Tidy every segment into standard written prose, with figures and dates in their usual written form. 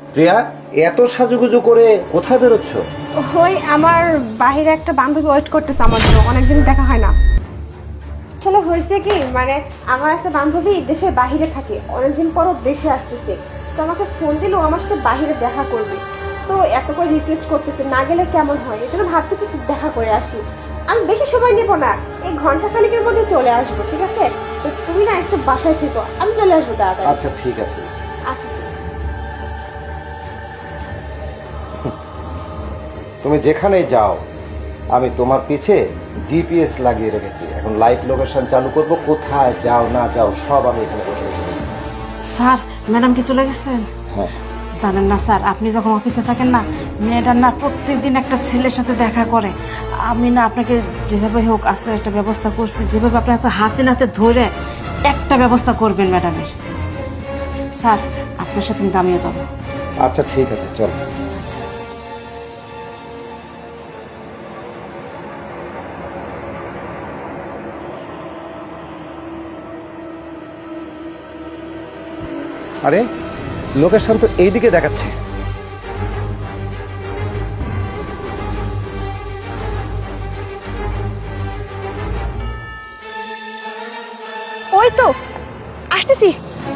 প্রিয়া, এত সাজুগুজু করে কোথায় বেরোচ্ছ? ওই আমার বাইরে একটা বান্ধবী ওয়েট করতেছে আমার জন্য, অনেকদিন দেখা হয় না। আসলে হয়েছে কি, মানে আমার একটা বান্ধবী দেশের বাইরে থাকে, অনেকদিন পরও দেশে আসতেছে। তো আমাকে ফোন দিল আমার সাথে বাইরে দেখা করবে। তো এত করে রিকোয়েস্ট করতেছে, না গেলে কেমন হয়, এই জন্য ভাবতেছি একটু দেখা করে আসি। আমি বেশি সময় নেবো না, এই ঘন্টা খানিকের মধ্যে চলে আসবো, ঠিক আছে? তো তুমি না একটু বাসায় থেকো, আমি চলে আসবো তাড়াতাড়ি। আচ্ছা ঠিক আছে। আচ্ছা ঠিক আছে। তুমি যেখানেই যাও আমি তোমার পিছে জিপিএস লাগিয়ে রেখেছি। এখন লাইভ লোকেশন চালু করব, কোথায় যাও না যাও সব আমি এখানে বসে বসে দেখব। স্যার, ম্যাডাম কি চলে গেছেন? হ্যাঁ। জানেন না স্যার, আপনি যখন অফিসে থাকেন না, মেয়েটার না প্রত্যেকদিন একটা ছেলের সাথে দেখা করে। আমি না আপনাকে যেভাবে হোক আজকে একটা ব্যবস্থা করছি, যেভাবে আপনি হাতে নাতে ধরে একটা ব্যবস্থা করবেন ম্যাডামের। স্যার, আপনার সাথে কিন্তু আমিও যাবো। আচ্ছা ঠিক আছে, চল। আরে লোকেশন তো এইদিকে দেখাচ্ছে। ওই তো আসতেছি।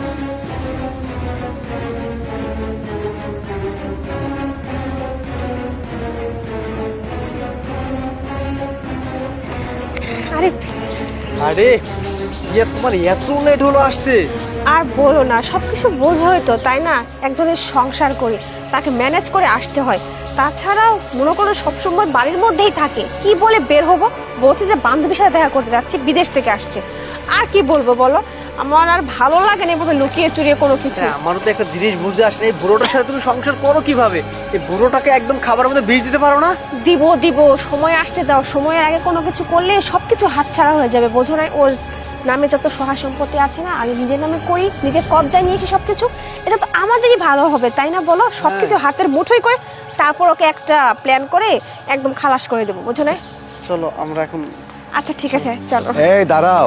আরে আরে ইয়ে, তোমার এত লেট হলো আসতে? আর বলো না, সবকিছু বোঝোই তো, তাই না? একজনের সংসার করে তাকে ম্যানেজ করে আসতে হয়। তাছাড়াও মনে করো সবসময় বাড়ির মধ্যেই থাকে, কি বলে বের হবো? বলছি যে বান্ধবীর সাথে দেখা করতে যাচ্ছি, বিদেশ থেকে আসছে। আর কি বলবো বলো, আমার আর ভালো লাগে না এভাবে লুকিয়ে চুরিয়ে কোনো কিছু। হ্যাঁ, আমারও তো একটা জিনিস বুঝে আসে না, এই বুড়োটার সাথে তুমি সংসার করো কিভাবে? এই বুড়োটাকে একদম খাবারের মধ্যে বিষ দিতে পারো না? দিব দিব, সময় আসতে দাও। সময়ের আগে কোনো কিছু করলে সবকিছু হাতছাড়া হয়ে যাবে, বোঝো না? ওর নামে যত সহায় সম্পত্তি আছে না, আগে নিজের নামে করি, নিজের কবজায় নিয়ে এসে সবকিছু, এটা তো আমাদেরই ভালো হবে, তাই না বলো? সবকিছু হাতের মুঠোই করে তারপর ওকে একটা প্ল্যান করে একদম খালাস করে দেবো, বোঝো না? চলো আমরা এখন। আচ্ছা ঠিক আছে, চলো। এই দাঁড়াও।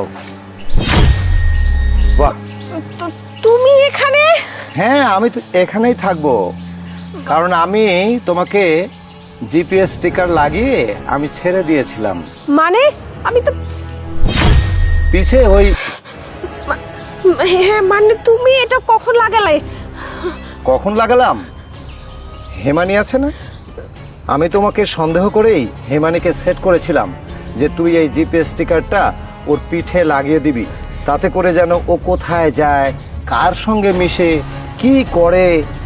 বাহ, তো তুমি এখানে? হ্যাঁ আমি তো এখানেই থাকবো, কারণ আমি তোমাকে জিপিএস স্টিকার লাগিয়ে আমি ছেড়ে দিয়েছিলাম। মানে আমি তো পিছে ওই হ্যাঁ, মানে তুমি এটা কখন লাগালে? কখন লাগালাম? হেমানি আছে না, আমি তোমাকে সন্দেহ করেই হেমানিকে সেট করেছিলাম যে তুই এই জিপিএস স্টিকারটা ওর পিঠে লাগিয়ে দিবি, তাতে করে যেন ও কোথায় যায়, কার সঙ্গে মিশে, কি করে,